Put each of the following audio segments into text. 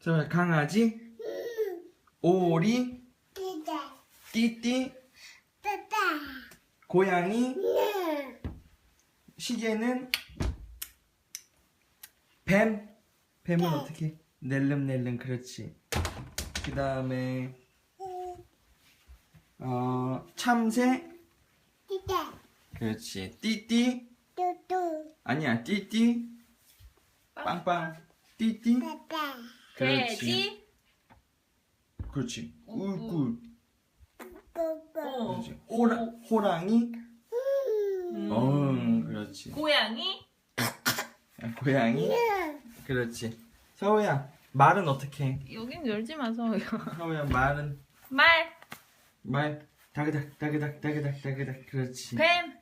자, 강아지, 오리, 띠띠, 고양이, 시계는 뱀. 뱀은 어떻게? 낼름낼름. 그렇지. 그 다음에 참새. 그렇지. 띠띠. 아니야. 띠띠. 빵빵. 띠띠. 돼지. 그렇지. 꿀꿀. 그렇지. 오. 호랑이. 그렇지. 고양이. 고양이. 그렇지. 서우야, 말은 어떻게 해? 여긴 열지 마서. 서우야, 말은 말. 다그닥 다그닥 다그닥 다그닥. 그렇지. 뱀.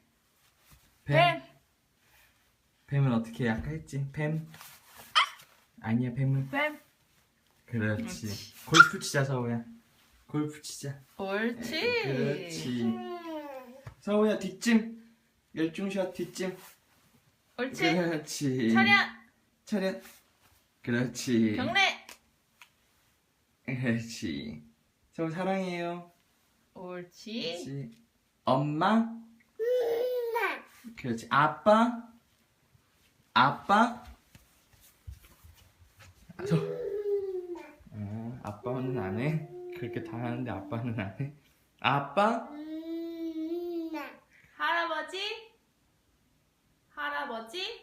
뱀은 어떻게 해? 아까 했지. 뱀. 아니야, 뱀은. 뱀. 그렇지. 골프 치자, 서우야. 골프 치자. 옳지. 그렇지. 서우야, 뒷짐. 열중샷 뒷짐. 옳지. 그렇지. 차렷. 그렇지. 경례. 그렇지. 서우 사랑해요. 옳지. 그렇지. 엄마. 그렇지. 아빠. 아빠는 안 해. 그렇게 다 하는데 아빠는 안 해. 아빠. 할아버지.